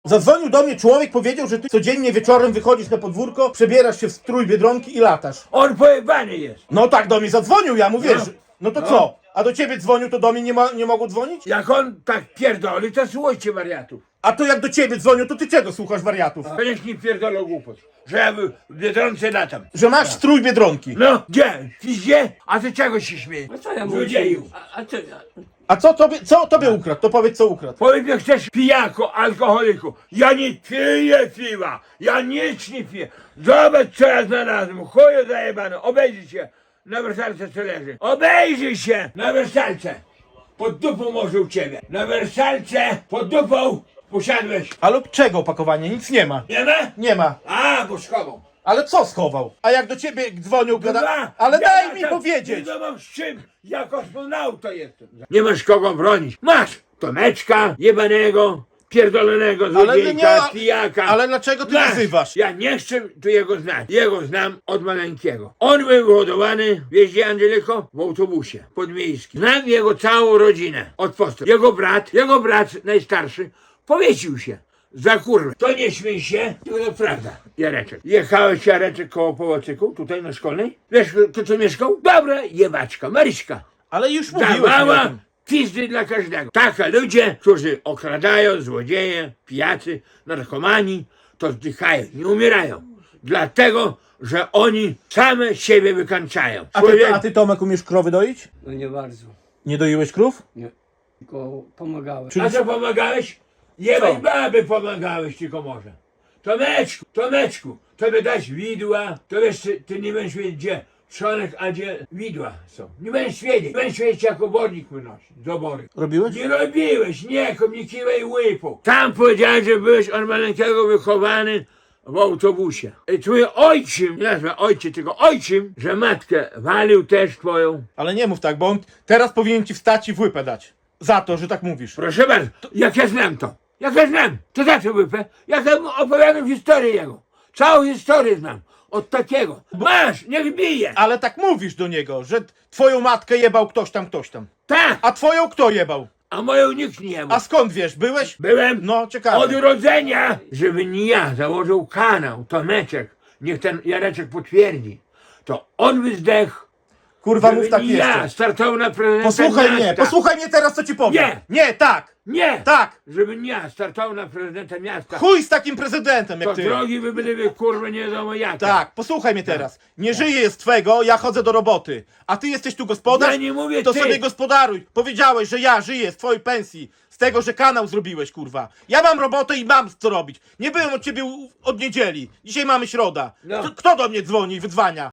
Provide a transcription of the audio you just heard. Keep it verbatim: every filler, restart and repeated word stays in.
Zadzwonił do mnie człowiek, powiedział, że ty codziennie wieczorem wychodzisz na podwórko, przebierasz się w strój Biedronki i latasz. On pojebany jest. No tak do mnie zadzwonił, ja mu wiesz. No. No to No. co? A do ciebie dzwonił, to do mnie nie, ma, nie mogło dzwonić? Jak on tak pierdoli, to słuchajcie wariatów. A to jak do ciebie dzwonił, to ty czego słuchasz wariatów? To niech nie pierdolą głupot. Że ja w Biedronce latam. Że masz strój Biedronki. No, gdzie? Gdzie? A ty czego się śmiejesz? A co ja mówię? Złodzieju. A, a co ja? A co tobie, co tobie ukradł? To powiedz, co ukradł. Powiedz mi, chcesz pijako, alkoholiku. Ja nie piję piwa. Ja nic nie piję. Zobacz, co ja znalazłem. Chuju zajebany. Obejrzyj się. Na wersalce co leży. Obejrzyj się. Na wersalce. Pod dupą może u ciebie. Na wersalce. Pod dupą. Usiadłeś. A lub czego opakowanie? Nic nie ma. Nie ma? Nie ma. A, bo schował. Ale co schował? A jak do ciebie dzwonił, gada... Dwa. Ale Ja daj mi tam powiedzieć! Nie mam z czym. Ja kosmonauta jestem. Nie masz kogo bronić. Masz Tomeczka jebanego, pierdolonego Ale złodziejka, nie, pijaka. ale dlaczego ty Masz. nazywasz? Ja nie chcę tu jego znać. Jego znam od maleńkiego. On był wyhodowany w jeździe Angeliko w autobusie podmiejskim. Znam jego całą rodzinę od postu. Jego brat, jego brat najstarszy powiesił się. Za kurwę. To nie śmiej się, tylko to prawda. Jareczek. Jechałeś Jareczek koło Połocyku, tutaj na Szkolnej? Wiesz, kto tu mieszkał? Dobra, jebaczka, Maryśka. Ale już mówiłeś mi o Dawała tym. pizdy dla każdego. Taka ludzie, którzy okradają, złodzieje, pijacy, narkomani, to zdychają, nie umierają. Dlatego, że oni same siebie wykańczają. A ty, Człowiek- a ty Tomek umiesz krowy doić? No nie bardzo. Nie doiłeś krów? Nie. Tylko pomagałem. Czyli- A co pomagałeś? Jebać Co? baby pomagałeś tylko może. Tomeczku, Tomeczku, tobie dać widła, to wiesz, ty, ty nie będziesz wiedzieć gdzie trzonek, a gdzie widła są. Nie będziesz wiedzieć, nie będziesz wiedzieć jak obornik wynosi z obory. Robiłeś? Nie robiłeś, nie, nie kiwej łypu. Tam powiedziałeś, że byłeś od maleńkiego wychowany w autobusie. I twój ojczym, nie nazwę ojciec, tylko ojczym, że matkę walił też twoją. Ale nie mów tak, bo on teraz powinien ci wstać i w łypę dać. Za to, że tak mówisz. Proszę bardzo, jak ja znam to, jak ja znam, to za co wypę? Jak ja mu opowiadam historię jego, całą historię znam, od takiego. Masz, niech bije. Ale tak mówisz do niego, że twoją matkę jebał ktoś tam, ktoś tam. Tak, A twoją kto jebał? a moją nikt nie ma. A skąd wiesz? Byłeś? Byłem No, od ciekawe. urodzenia, żeby nie ja założył kanał, Tomeczek, niech ten Jareczek potwierdzi, to on by zdechł, Kurwa, żeby mów tak nie ja jeszcze. startował na prezydenta Posłuchaj mnie, miasta. posłuchaj mnie teraz, co ci powiem. Nie. Nie, tak, Nie, tak. żeby nie ja startował na prezydenta miasta, Chuj z takim prezydentem to jak ty. drogi by były kurwa nie wiadomo jakie. Tak, posłuchaj mnie teraz. Nie żyję z twego, ja chodzę do roboty. A ty jesteś tu gospodarz? Ja nie mówię To ty. sobie gospodaruj. Powiedziałeś, że ja żyję z twojej pensji. Z tego, że kanał zrobiłeś, kurwa. Ja mam robotę i mam co robić. Nie byłem od ciebie u- od niedzieli. Dzisiaj mamy środa. No. Kto- Kto do mnie dzwoni i wydzwania?